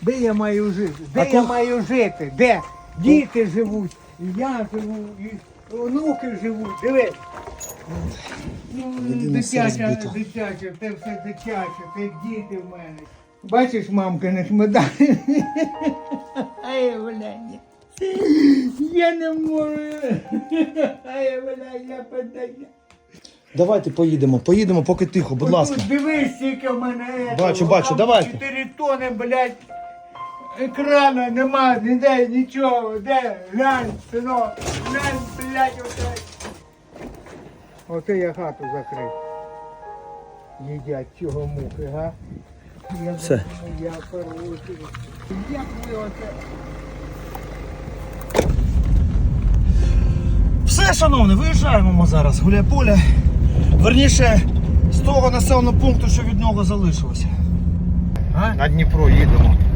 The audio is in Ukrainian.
Де я маю жити? Де я маю жити? Де? Діти живуть, і я живу, і онуки живуть. Диви. Дитяче, це все дитяче, це діти в мене. Бачиш, мамка, не медалі. Ай, блядь. Я не можу. Ай, блядь, я подаю. Давайте поїдемо, поки тихо, будь ласка. Тут дивись, скільки в мене. Бачу, давайте. 4 тони, блядь. Екрана нема, ніде, нічого. Де? Глянь, синок. Глянь, блядь, оце. Оце я хату закрив. Їдять цього мухи, га? Все. Я порву. Як ви оце? Все, шановне, виїжджаємо ми зараз. Гуляй-поле. Верніше, з того населеного пункту, що від нього залишилося. А? На Дніпро їдемо.